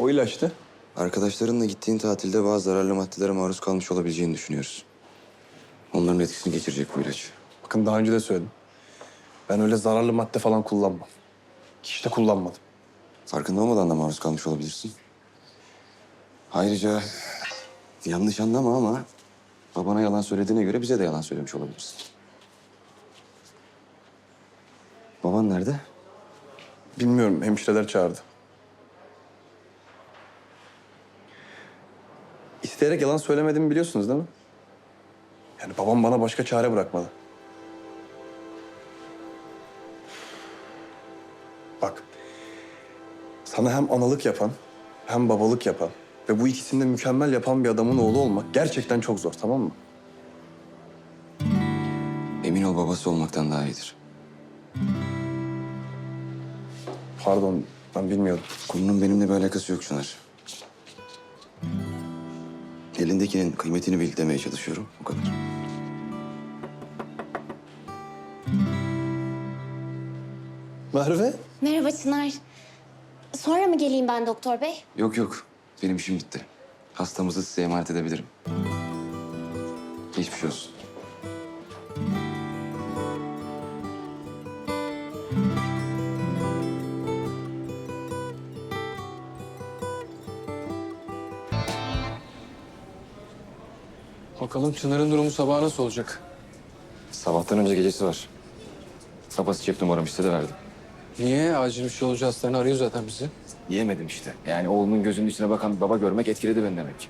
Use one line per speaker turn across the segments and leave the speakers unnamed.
O ilaçtı.
Arkadaşlarınla gittiğin tatilde bazı zararlı maddelere maruz kalmış olabileceğini düşünüyoruz. Onların etkisini geçirecek bu ilaç.
Bakın daha önce de söyledim. Ben öyle zararlı madde falan kullanmam. Hiç de kullanmadım.
Farkında olmadan da maruz kalmış olabilirsin. Ayrıca yanlış anlama ama babana yalan söylediğine göre bize de yalan söylemiş olabilirsin. Baban nerede?
Bilmiyorum, hemşireler çağırdı. İsteyerek yalan söylemediğimi biliyorsunuz değil mi? Yani babam bana başka çare bırakmadı. Bak, sana hem analık yapan hem babalık yapan ve bu ikisini de mükemmel yapan bir adamın oğlu olmak gerçekten çok zor, tamam mı?
Emin ol babası olmaktan daha iyidir.
Pardon, ben bilmiyordum.
Konunun benimle bir alakası yok Çınar. Elindekinin kıymetini bil demeye çalışıyorum. O kadar.
Merve?
Merhaba Çınar. Sonra mı geleyim ben doktor bey?
Yok yok. Benim işim bitti. Hastamızı size emanet edebilirim. Geçmiş olsun.
Bakalım Çınar'ın durumu sabah nasıl olacak?
Sabahtan önce gecesi var. Babası cep numaramı istedi verdim.
Niye? Acil bir şey olunca hastane arıyor zaten bizi.
Yiyemedim işte. Yani oğlunun gözünün içine bakan bir baba görmek etkiledi beni demek.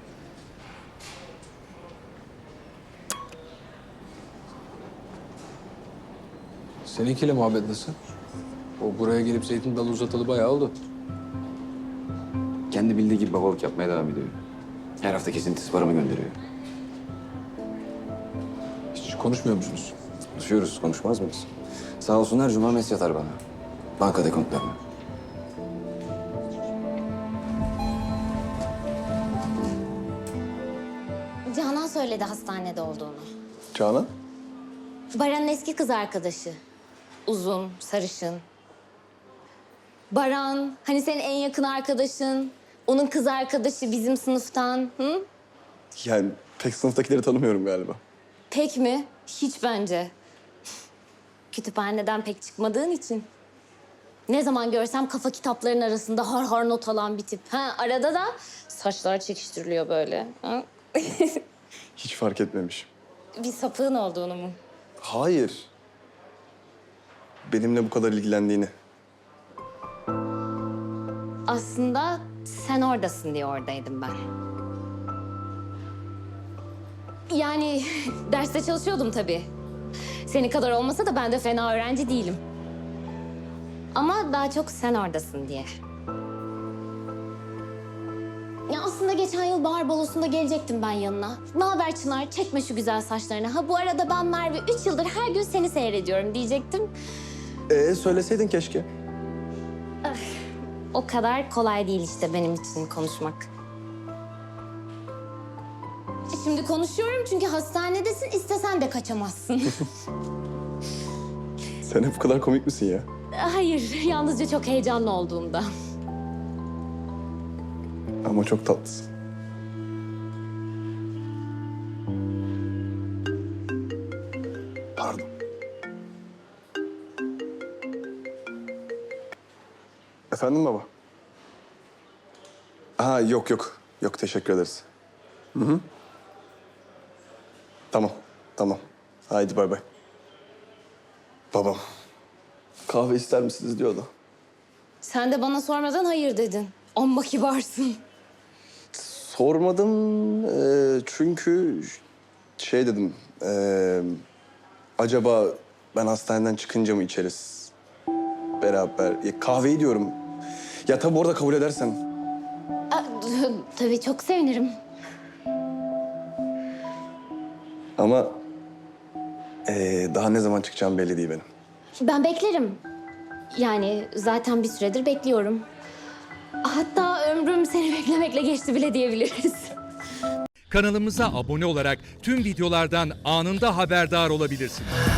Seninkiyle muhabbet nasıl? O buraya gelip zeytin dalı uzatalı bayağı oldu.
Kendi bildiği gibi babalık yapmaya devam ediyor. Her hafta kesintisiz paramı gönderiyor.
Hiç konuşmuyor musunuz?
Konuşuyoruz, konuşmaz mıyız? Sağ olsun her cuma mesaj atar bana. Banka dekontlarına.
Canan söyledi hastanede olduğunu.
Canan?
Baran'ın eski kız arkadaşı. Uzun, sarışın. Baran, hani senin en yakın arkadaşın. Onun kız arkadaşı bizim sınıftan. Hı?
Yani pek sınıftakileri tanımıyorum galiba.
Pek mi? Hiç bence. Kütüphaneden pek çıkmadığın için. Ne zaman görsem kafa kitaplarının arasında har har not alan bir tip. Ha, arada da saçlar çekiştiriliyor böyle. Ha?
Hiç fark etmemişim.
Bir sapığın olduğunu mu?
Hayır. Benimle bu kadar ilgilendiğini.
Aslında sen oradasın diye oradaydım ben. Yani derste çalışıyordum tabii. Senin kadar olmasa da ben de fena öğrenci değilim. Ama daha çok sen oradasın diye. Ya aslında geçen yıl bahar balosunda gelecektim ben yanına. Ne haber Çınar? Çekme şu güzel saçlarını. Ha bu arada ben Merve 3 yıldır her gün seni seyrediyorum diyecektim.
Söyleseydin keşke.
O kadar kolay değil işte benim için konuşmak. Şimdi konuşuyorum çünkü hastanedesin, istesen de kaçamazsın.
Sen hep bu kadar komik misin ya?
Hayır, yalnızca çok heyecanlı olduğumda.
Ama çok tatlısın. Pardon. Efendim baba? Ha yok yok. Yok teşekkür ederiz. Hı hı. Tamam. Tamam. Haydi bay bay. Babam. Kahve ister misiniz diyordu.
Sen de bana sormadan hayır dedin. Amma kibarsın.
Sormadım çünkü şey dedim. Acaba ben hastaneden çıkınca mı içeriz beraber? Ya, kahveyi diyorum. Ya tabii orada kabul edersen.
Tabii çok sevinirim.
Ama daha ne zaman çıkacağım belli değil benim.
Ben beklerim. Yani zaten bir süredir bekliyorum. Hatta ömrüm seni beklemekle geçti bile diyebiliriz.
Kanalımıza abone olarak tüm videolardan anında haberdar olabilirsiniz.